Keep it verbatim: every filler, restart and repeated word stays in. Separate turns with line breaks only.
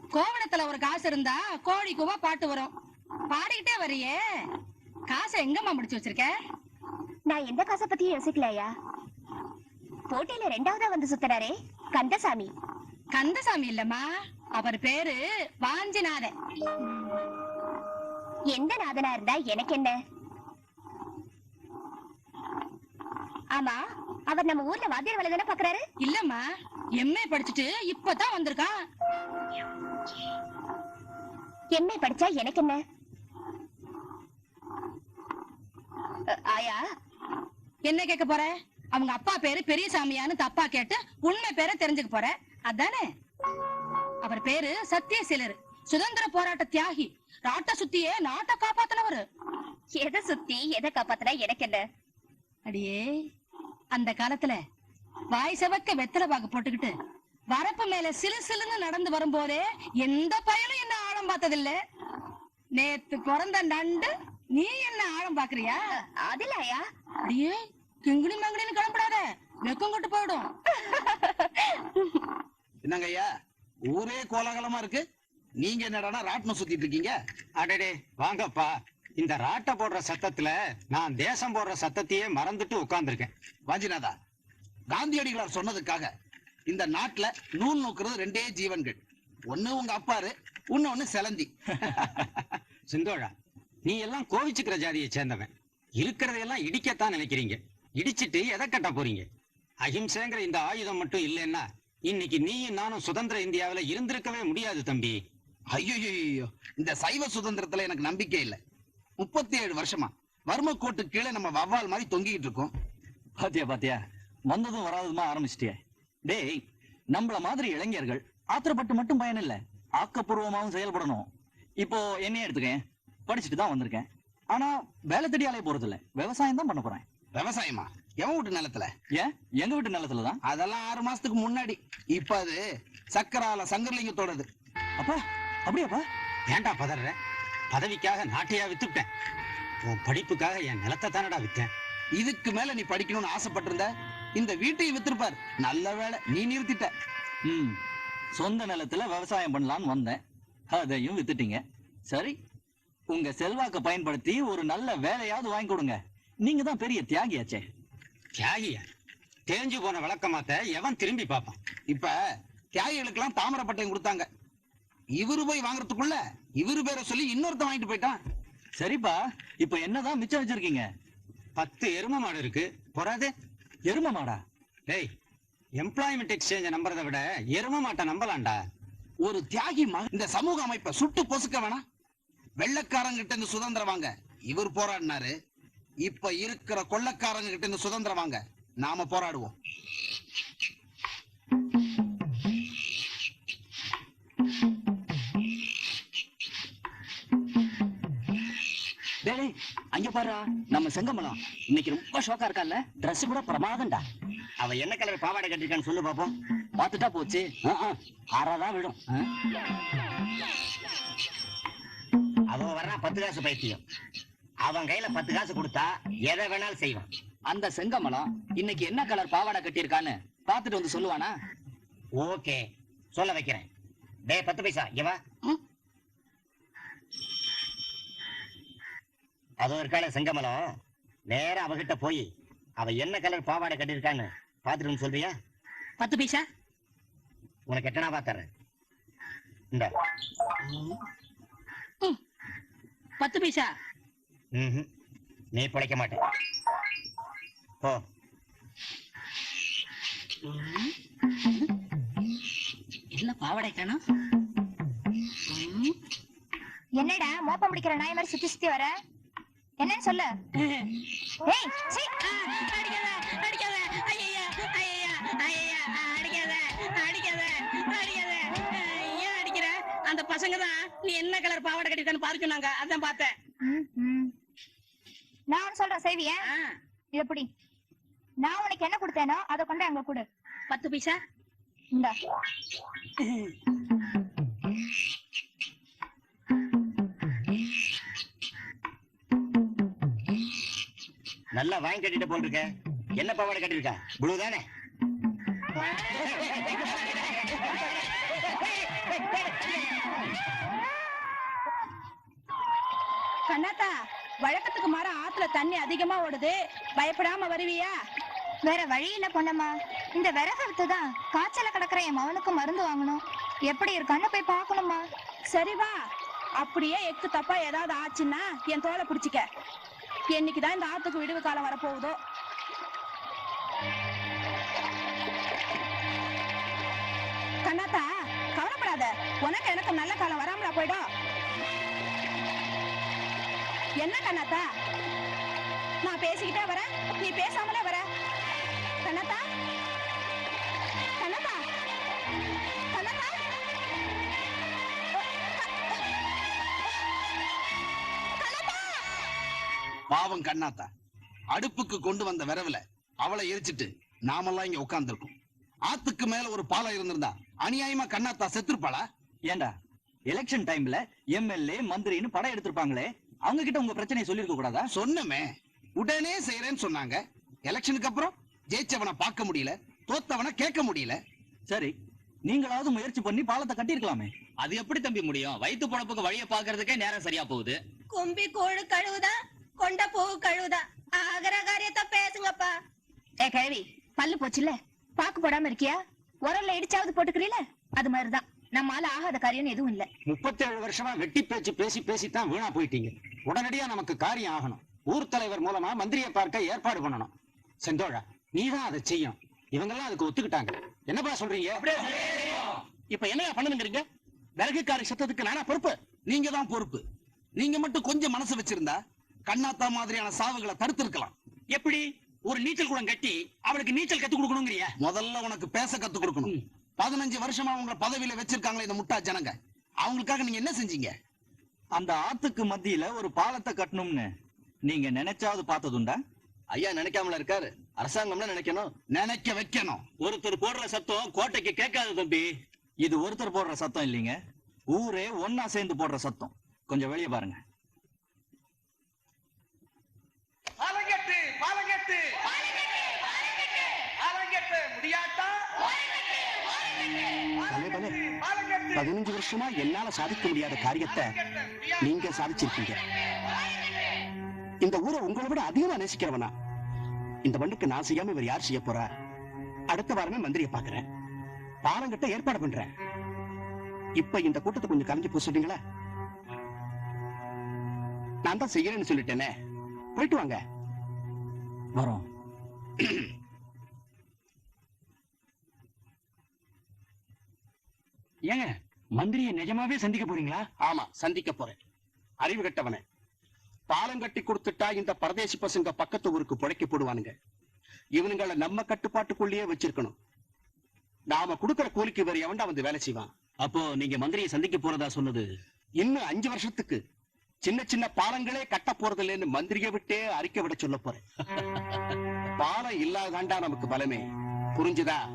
கோவணத்துல ஒரு காசு இருந்தா கோழி கூவா பாட்டு வரும். பாடிக்கிட்டே வரியே, காசை எங்கம்மா முடிச்சு வச்சிருக்க?
நான் எந்த காசை பத்தியும் யோசிக்கலையா. போட்டியில ரெண்டாவதா வந்து சுத்துறாரே கந்தசாமி.
கந்தசாமி இல்லம்மா, அவர் பேரு வாஞ்சிநாதன்.
எந்த நாதனா இருந்தா எனக்கு என்ன? ஆமா, அவர் நம்ம ஊர்ல வாத்தியார் வேலை தானே பாக்குறாரு.
இல்லம்மா, எம்ஏ படிச்சுட்டு இப்பதான் வந்திருக்கான்.
எம்ஏ படிச்சா எனக்கு என்ன? ஆயா,
என்ன கேட்க போற? அவங்க அப்பா பேரு பெரியசாமியான்னு தப்பா கேட்டு உண்மை பேரை தெரிஞ்சுக்க போற அதானே? அவர் பேரு சத்தியசீலர், சுதந்திர போராட்ட தியாகி. நாட்டை சுத்தியே நாட்டை காப்பாத்தினவரு.
எதை சுத்தி எதை காப்பாத்தினா எனக்கு என்ன?
அடியே, அந்த காலத்துல வாய் செவக்க வெத்தலை பாக்கு போட்டுக்கிட்டு வரப்பு மேல சிலு சிலுன்னு நடந்து வரும்போதே எந்த பயனும் என்ன ஆழம் பார்த்ததில்ல. நேத்து பிறந்த நண்டு நீ என்ன ஆழம் பாக்குறியா?
அதிலாயா?
அடியே, கிங்குனி மங்குனின்னு கிளம்பிடாத, வெக்கம் கொட்டு போயிடும்.
என்னங்க ஐயா, ஊரே கோலாகலமா இருக்கு, நீங்க என்னடா ராட்டினம் சுத்திட்டு இருக்கீங்க?
அடடே வாங்கப்பா, இந்த ராட்ட போடுற சத்தத்துல நான் தேசம் போடுற சத்தத்தையே மறந்துட்டு உட்கார்ந்துருக்கேன்.
வாஞ்சிநாதா, காந்தியடிகளார் சொன்னதுக்காக இந்த நாட்டுல நூல் நோக்குறது ரெண்டே ஜீவன்கள். ஒண்ணு உங்க அப்பாரு, இன்னொன்னு செலந்தி.
சிந்தோழா, நீ எல்லாம் கோவிச்சுக்கிற ஜாதியை சேர்ந்தவன். இருக்கிறதையெல்லாம் இடிக்கத்தான் நினைக்கிறீங்க. இடிச்சிட்டு எதை கட்ட போறீங்க? அஹிம்சைங்கிற இந்த ஆயுதம் மட்டும் இல்லைன்னா இன்னைக்கு நீயும் நானும் சுதந்திர இந்தியாவில இருந்திருக்கவே முடியாது தம்பி.
ஐயோ, இந்த சைவ சுதந்திரத்துல எனக்கு நம்பிக்கை இல்லை. முப்பத்தி ஏழு வருஷமா வர்ம கோட்டு கீழே நம்ம வவ்வால் மாதிரி தொங்கிட்டு இருக்கோம்.
பாத்தியா பாத்தியா, வந்ததும் வராததுமா ஆரம்பிச்சிட்டிய. டேய், நம்மள மாதிரி இளைஞர்கள் ஆத்திரப்பட்டு மட்டும் பயன் இல்ல, ஆக்கப்பூர்வமாவும் செயல்படணும். இப்போ என்னையே எடுத்துக்கேன், படிச்சுட்டு தான் வந்திருக்கேன். ஆனா வேலை தேடி அலைய போறது இல்ல, விவசாயம் தான் பண்ண போறேன்.
விவசாயமா? எவன் வீட்டு நிலத்துல?
ஏன், எங்க வீட்டு நிலத்துலதான்.
அதெல்லாம் ஆறு மாசத்துக்கு முன்னாடி. இப்ப அது சக்கரால சங்கர்லிங்கத்தோடது.
அப்பா, அப்படியாப்பா?
ஏன்டா பதற? பதவிக்காக நாட்டையா வித்துட்டேன், உன் படிப்புக்காக என் நிலத்தை தானடா வித்தேன்.
இதுக்கு மேல நீ படிக்கணும்னு ஆசைப்பட்டிருந்த இந்த வீட்டையும் வித்திருப்பார். நல்ல வேலை நீ நிறுத்திட்ட.
ம், சொந்த நிலத்துல விவசாயம் பண்ணலான்னு வந்தேன், அதையும் வித்துட்டீங்க. சரி, உங்க செல்வாக்க பயன்படுத்தி ஒரு நல்ல வேலையாவது வாங்கி கொடுங்க. நீங்க தான் பெரிய தியாகியாச்சே.
தியாகியா? தேஞ்சு போன விளக்கமாத்த எவன் திரும்பி பார்ப்பான்?
இப்ப தியாகிகளுக்கு எல்லாம் தாமரை பட்டயம் கொடுத்தாங்க. இவரு போய் வாங்குறதுக்குள்ள இவரு பேரை சொல்லி இன்னொருத்த வாங்கிட்டு போயிட்டான்.
சரிப்பா, இப்ப என்னதான் மிச்சம் வச்சிருக்கீங்க?
பத்து எரும மாடு இருக்கு, பொறாது.
எரும மாடா?
டேய், எம்ப்ளாய்மெண்ட் எக்ஸ்சேஞ்ச நம்புறதை விட எரும மாட்டை நம்பலாம்டா.
ஒரு தியாகி மகன் இந்த சமூக அமைப்பை சுட்டு பொசுக்க வேணாம். வெள்ளக்காரங்க கிட்ட இருந்து சுதந்திரம் வாங்க இவர் போராடினாரு. இப்ப இருக்கிற கொள்ளக்காரங்க கிட்ட இருந்து சுதந்திரம் வாங்க நாம போராடுவோம்.
டேய், அங்க பாரு, நம்ம செங்கமலம் இன்னைக்கு ரொம்ப ஷோக்கா இருக்கான்ல. Dress கூட பிரமாதம்டா.
அவ என்ன கலர் பாவாடை கட்டிருக்கான்னு சொல்லு பாப்போம்.
பாத்துட்டா போச்சு, ஆறாதான் விடும்.
அவன் வர்றா பத்து காசு பைத்தியம். அவன் கையில பத்து காசு கொடுத்தா எதை வேணாலும் செய்வான்.
அந்த செங்கமலம் இன்னைக்கு என்ன கலர் பாவாடை கட்டியிருக்கான்னு பாத்துட்டு வந்து சொல்லுவானா?
ஓகே, சொல்ல வைக்கிறேன். டேய் பத்து பைசா இவா, அதோ இருக்கான செங்கமலம், நேரா அவகிட்ட போய் அவ என்ன கலர் பாவாடை கட்டிருக்கான்னு பாத்துட்டு சொல்றியா?
பத்து பைசா
உனக்கு எட்டனா பாத்துறேன். இந்த
பத்து பைசா
ம், நீ பிழைக்க மாட்டேன். போ.
என்ன பாவாடை காணோம்?
என்னடா மோப்ப முடிக்கிற நாய் மாதிரி சுத்தி சுத்தி வர? என்னன்னு சொல்லு. ஏய், சீ.
அடிக்காத, அடிக்காத, ஐயா, ஐயா, ஐயா, அடிக்காத, அடிக்காத, அடிக்காத. ஏன் அடிக்கிற? அந்த பசங்க தான் நீ என்ன கலர் பாவாடை கட்டிருக்கான்னு பாரு சொன்னாங்க, அதான் பார்த்தேன்.
நான் ஒன்னு சொல்றேன், செய்வியா? இது எப்படி? நான் உனக்கு என்ன கொடுத்தேனோ அதை கொண்டு அங்க கொடு.
பத்து பைசா
இந்தா.
நல்லா வாங்கி கட்டிட்டு போட்டிருக்க. என்ன பாவாடை கட்டிருக்கா? ப்ளூ தானே?
கண்ணாத்தா, வழக்கத்துக்கு மாற ஆத்துல தண்ணி அதிகமா ஓடுது, பயப்படாம வருவியா?
வேற வழி இல்ல பொண்ணம்மா. இந்த விறகு தான் காய்ச்சல கிடக்குற என் மகனுக்கு மருந்து வாங்கணும். எப்படி இருக்கான்னு போய் பார்க்கணுமா.
சரி வா. அப்படியே எக்கு தப்பா ஏதாவது ஆச்சுன்னா என் தோலை பிடிச்சிக்க. என்னைக்குதான் இந்த ஆத்துக்கு விடுவு காலம் வரப்போகுதோ. கண்ணாத்தா, கவலைப்படாத, உனக்கு எனக்கு நல்ல காலம் வராமலா போயிடும். என்ன கண்ணாத்தா, நான் பேசிக்கிட்டே வரேன், நீ பேசாமலே வர. கண்ணாத்தா, கண்ணாத்தா, கண்ணாத்தா,
பாவம் கண்ணாத்தா, அடுப்புக்கு கொண்டு வந்த விரவுல அவளை எரிச்சிட்டு நாமெல்லாம் இங்க உட்கார்ந்துருக்கோம். ஆத்துக்கு மேல ஒரு பாலம் இருந்திருந்தா அநியாயமா கண்ணாத்தா செத்துருப்பாளா?
ஏண்டா எலெக்ஷன் டைம்ல எம்எல்ஏ மந்திரின்னு படம் எடுத்திருப்பாங்களே, அவங்க கிட்ட உங்க பிரச்சனையை சொல்லிருக்க கூடாதா?
சொன்னமே, உடனே செய்யறேன்னு சொன்னாங்க. எலெக்ஷனுக்கு அப்புறம் ஜெயிச்சவனை பார்க்க முடியல, தோத்தவனை கேட்க முடியல.
சரி, நீங்களாவது முயற்சி பண்ணி பாலத்தை கட்டியிருக்கலாமே.
அது எப்படி தம்பி முடியும்? வயிற்று பொழப்புக்கு வழிய பாக்குறதுக்கே நேரம் சரியா போகுது.
கும்பி கோழு கழுவுதா, கொண்ட பூ கழுவுதா, ஆகிற காரியத்தை பேசுங்கப்பா.
ஏ கிழவி, பல்லு போச்சுல, பாக்கு போடாம இருக்கியா? உரல்ல இடிச்சாவது போட்டுக்கிறீல? அது மாதிரிதான் நம்மால ஆகாத காரியம் எதுவும் இல்ல.
முப்பத்தேழு வருஷமா வெட்டி பேச்சு பேசி பேசித்தான் வீணா போயிட்டீங்க. உடனடியா நமக்கு காரியம் ஆகணும். ஊர் தலைவர் மூலமா மந்திரியை பார்க்க ஏற்பாடு பண்ணணும். செந்தோழா, நீதான் அதை செய்யணும். இவங்க எல்லாம் அதுக்கு ஒத்துக்கிட்டாங்க. என்னப்பா சொல்றீங்க?
இப்ப என்னையா பண்ணுங்கிறீங்க? விறகுக்காரி சத்தத்துக்கு நானா பொறுப்பு?
நீங்க தான் பொறுப்பு. நீங்க மட்டும் கொஞ்சம் மனசு வச்சிருந்தா கண்ணாத்தா மாதிரியான சாவுகளை தடுத்திருக்கலாம்.
எப்படி? ஒரு நீச்சல் குளம் கட்டி அவளுக்கு நீச்சல் கத்து கொடுக்கணுங்கிறியா?
முதல்ல உனக்கு பேச கத்து கொடுக்கணும். பதினஞ்சு வருஷமா உங்களை பதவியில வச்சிருக்காங்களே இந்த முட்டா ஜனங்க, அவங்களுக்காக நீங்க என்ன செஞ்சீங்க?
அந்த ஆத்துக்கு மத்தியில ஒரு பாலத்தை கட்டணும்னு நீங்க நினைச்சாவது பார்த்ததுண்டா?
ஐயா நினைக்காமல இருக்காரு, அரசாங்கம்னா நினைக்கணும்.
நினைக்க வைக்கணும்.
ஒருத்தர் போடுற சத்தம் கோட்டைக்கு கேட்காது தம்பி.
இது ஒருத்தர் போடுற சத்தம் இல்லைங்க, ஊரே ஒன்னா சேர்ந்து போடுற சத்தம். கொஞ்சம் வெளியே பாருங்க.
பாலங்கெட்டு பாலங்கெட்டு பாலங்கெட்டு முடியாட்டா.
பதினஞ்சு வருஷமா என்னால சாதிக்க முடியாத காரியத்தை நீங்க சாதிச்சிருக்கீங்க. இந்த ஊரை உங்களை விட அதிகமா நேசிக்கிறவனா? இந்த மண்ணுக்கு நான் செய்யாம இவர் யார் செய்ய போறா? அடுத்த வாரமே மந்திரியை பாக்குறேன், பாலங்கிட்ட ஏற்பாடு பண்றேன். இப்ப இந்த கூட்டத்தை கொஞ்சம் கலைஞ்சு போக சொன்னீங்களா? நான் தான் செய்யறேன்னு சொல்லிட்டேனே, போயிட்டு வாங்க.
வரோம்.
ஏங்க, மந்திரியை நிஜமாவே சந்திக்க போறீங்களா?
ஆமா, சந்திக்க போறேன். அறிவு கட்டவனே, பாலம் கட்டி கொடுத்துட்டா இந்த பரதேசி பசங்க பக்கத்து ஊருக்கு புழைக்க போடுவானுங்க. இவனுங்களை நம்ம கட்டுப்பாட்டுக்குள்ளேயே வச்சிருக்கணும். நாம கொடுக்கிற கூலிக்கு வேற எவன்டா வந்து வேலை செய்வான்?
அப்போ நீங்க மந்திரியை சந்திக்க போறதா சொன்னது
இன்னும் அஞ்சு வருஷத்துக்கு சின்ன சின்ன பாலங்களே கட்ட போறது இல்லைன்னு மந்திரியை விட்டே அறிக்கை விட சொல்ல போறேன். பாலம் இல்லாதாண்டா நமக்கு பலமே, புரிஞ்சுதா?